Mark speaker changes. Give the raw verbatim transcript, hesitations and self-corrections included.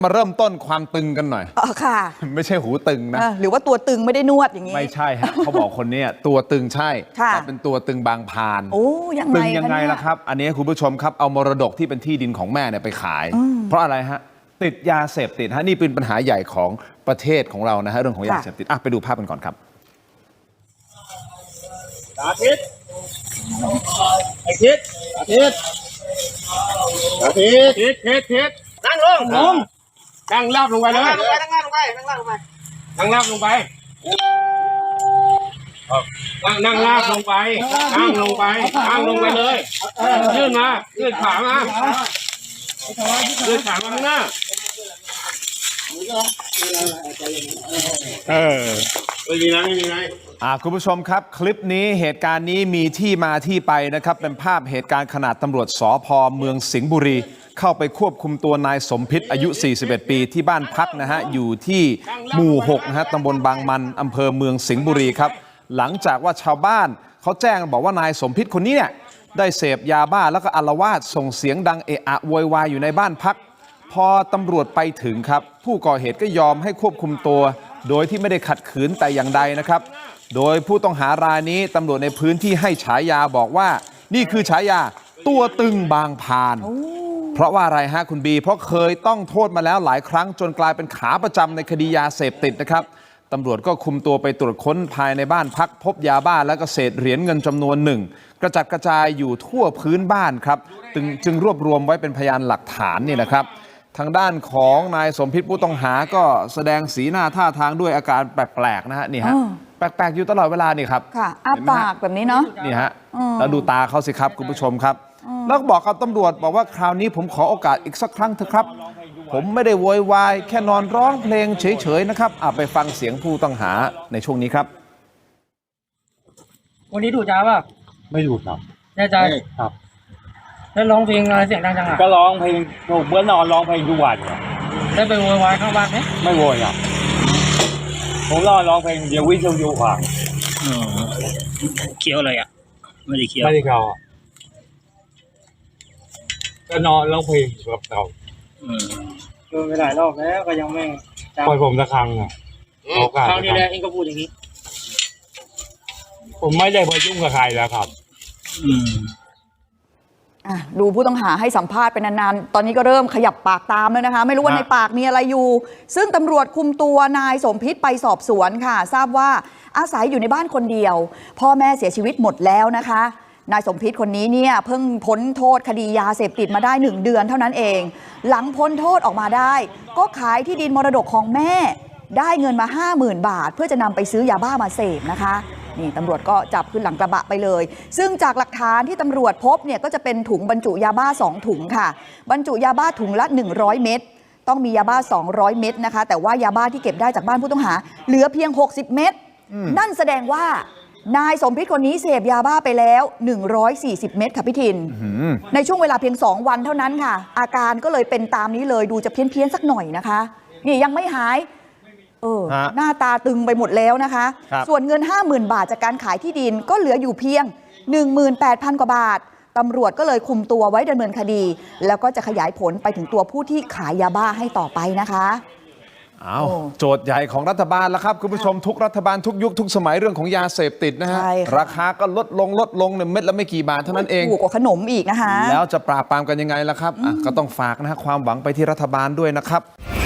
Speaker 1: มาเริ่มต้นความตึงกันหน่อย
Speaker 2: อ๋อค่ะ
Speaker 1: ไม่ใช่หูตึงนะ
Speaker 2: หรือว่าตัวตึงไม่ได้นวดอย่างนี้
Speaker 1: ไม่ใช่ฮะ เขาบอกคนนี้ตัวตึงใช่แต่เป็นตัวตึงบางพาน
Speaker 2: โอ้ยังไง
Speaker 1: ตึงยังไงล่ะครับอันนี้คุณผู้ชมครับเอามรดกที่เป็นที่ดินของแม่เนี่ยไปขายเพราะอะไรฮะติดยาเสพติดฮะนี่เป็นปัญหาใหญ่ของประเทศของเรานะฮะเรื่องของยาเสพติดอ่ะไปดูภาพกันก่อนครับ
Speaker 3: อาทิตย์อาทิตย์อาทิตย์อาทิตย์ทิศทิศทิศนั่งลงลงนั่งลาบลงไปเลยนั่งลงไปนั่งลาบลงไปนั่งลาบลงไปนั่งลาบลงไปนั่งนั่งลาบลงไปนั่งลงไปนั่งลงไปเลยยื่นมายื่นขามายื่นขามาข้างหน้าเออไม่มีนะไม่มีนะ
Speaker 1: อ่าคุณผู้ชมครับคลิปนี้เหตุการณ์นี้มีที่มาที่ไปนะครับเป็นภาพเหตุการณ์ขณะตำรวจสภ.เมืองสิงห์บุรีเข้าไปควบคุมตัวนายสมพิษอายุสี่สิบเอ็ดปีที่บ้านพักนะฮะอยู่ที่หมู่หกนะฮะตำบลบางมันอำเภอเมืองสิงห์บุรีครับหลังจากว่าชาวบ้านเขาแจ้งบอกว่านายสมพิษคนนี้เนี่ยได้เสพยาบ้าแล้วก็อาละวาดส่งเสียงดังเอะอะโวยวายอยู่ในบ้านพักพอตำรวจไปถึงครับผู้ก่อเหตุก็ยอมให้ควบคุมตัวโดยที่ไม่ได้ขัดขืนแต่อย่างใดนะครับโดยผู้ต้องหารายนี้ตำรวจในพื้นที่ให้ฉายาบอกว่านี่คือฉายาตัวตึงบางพานเพราะว่าอะไรฮะคุณบีเพราะเคยต้องโทษมาแล้วหลายครั้งจนกลายเป็นขาประจำในคดียาเสพติดนะครับตำรวจก็คุมตัวไปตรวจค้นภายในบ้านพักพบยาบ้าและก็เศษเหรียญเงินจำนวนหนึ่งกระจัดกระจายอยู่ทั่วพื้นบ้านครับจึงรวบรวมไว้เป็นพยานหลักฐานนี่นะครับทางด้านของนายสมพิษผู้ต้องหาก็แสดงสีหน้าท่าทางด้วยอาการแปลกๆนะฮะนี่ฮะแปลกๆอยู่ตลอดเวลานี่ครับ
Speaker 2: ค่ะอ้าปากแบบนี้เนาะ
Speaker 1: นี่ฮะแล้วดูตาเขาสิครับคุณผู้ชมครับแล้วก็บอกกับตำรวจบอกว่าคราวนี้ผมขอโอกาสอีกสักครั้งเถอะครับผมไม่ได้โวยวายแค่นอนร้องเพลงเฉยๆนะครับอ่ะไปฟังเสียงผู้ต้องหาในช่วงนี้ครับ
Speaker 4: วันนี้ดูจ้าป่ะ
Speaker 3: ไม่ดูครับ
Speaker 4: แน่ใจ
Speaker 3: ครับ
Speaker 4: แล้วร้องเพลงอะไรเสียงดังจังอ่ะ
Speaker 3: ก็ร้องเพลงเมื่อนอนร้องเพลงทุกวัน
Speaker 4: ได้ไปโวยวายข้างบ้านไหม
Speaker 3: ไม่โวยอ่ะผมร้องร้องเพลงเดียววิทยุฟัง
Speaker 4: เคี้ยวอะไรอ่ะไม่ได้เคี้ยว
Speaker 3: ไม่ได้เคี้ยวก็นอนร้องเพลงกับเรา
Speaker 4: โดนไปหลายรอบแล้วก็ยังไม่
Speaker 3: ปล่อยผมสักครั้งอ่ะ
Speaker 4: ครั้งนี้แหละเองก็พูดอย่างนี้
Speaker 3: ผมไม่ได้ไปยุ่งกับใครแล้วครับ
Speaker 4: อืม
Speaker 2: ดูผู้ต้องหาให้สัมภาษณ์เป็นนานๆตอนนี้ก็เริ่มขยับปากตามแล้วนะคะไม่รู้ว่าในปากมีอะไรอยู่ซึ่งตำรวจคุมตัวนายสมพิษไปสอบสวนค่ะทราบว่าอาศัยอยู่ในบ้านคนเดียวพ่อแม่เสียชีวิตหมดแล้วนะคะนายสมพิษคนนี้เนี่ยเพิ่งพ้นโทษคดียาเสพติดมาได้หนึ่งเดือนเท่านั้นเองหลังพ้นโทษออกมาได้ก็ขายที่ดินมรดกของแม่ได้เงินมา ห้าหมื่น บาทเพื่อจะนำไปซื้อยาบ้ามาเสพนะคะนี่ตำรวจก็จับขึ้นหลังกระบะไปเลยซึ่งจากหลักฐานที่ตำรวจพบเนี่ยก็จะเป็นถุงบรรจุยาบ้าสองถุงค่ะบรรจุยาบ้าถุงละหนึ่งร้อยเม็ดต้องมียาบ้าสองร้อยเม็ดนะคะแต่ว่ายาบ้าที่เก็บได้จากบ้านผู้ต้องหาเหลือเพียงหกสิบเม็ดนั่นแสดงว่านายสมพิษคนนี้เสพยาบ้าไปแล้วหนึ่งร้อยสี่สิบเม็ดค่ะพี่ทินในช่วงเวลาเพียงสองวันเท่านั้นค่ะอาการก็เลยเป็นตามนี้เลยดูจะเพี้ยนเพี้ยนสักหน่อยนะคะนี่ยังไม่หายเออหน้าตาตึงไปหมดแล้วนะคะส่วนเงิน ห้าหมื่น บาทจากการขายที่ดินก็เหลืออยู่เพียง หนึ่งหมื่นแปดพัน กว่าบาทตำรวจก็เลยคุมตัวไว้ดำเนินคดีแล้วก็จะขยายผลไปถึงตัวผู้ที่ขายยาบ้าให้ต่อไปนะคะ
Speaker 1: อ้าวโจทย์ใหญ่ของรัฐบาลแล้วครับคุณผู้ชมทุกรัฐบาลทุกยุคทุกสมัยเรื่องของยาเสพติดนะฮะราคาก็ลดลงลดลงเนี่ยเม็ดละไม่กี่บาทเท่านั้นเอง
Speaker 2: ถูกกว่าขนมอีกนะคะ
Speaker 1: แล้วจะปราบปรามกันยังไงล่ะครับก็ต้องฝากนะฮะความหวังไปที่รัฐบาลด้วยนะครับ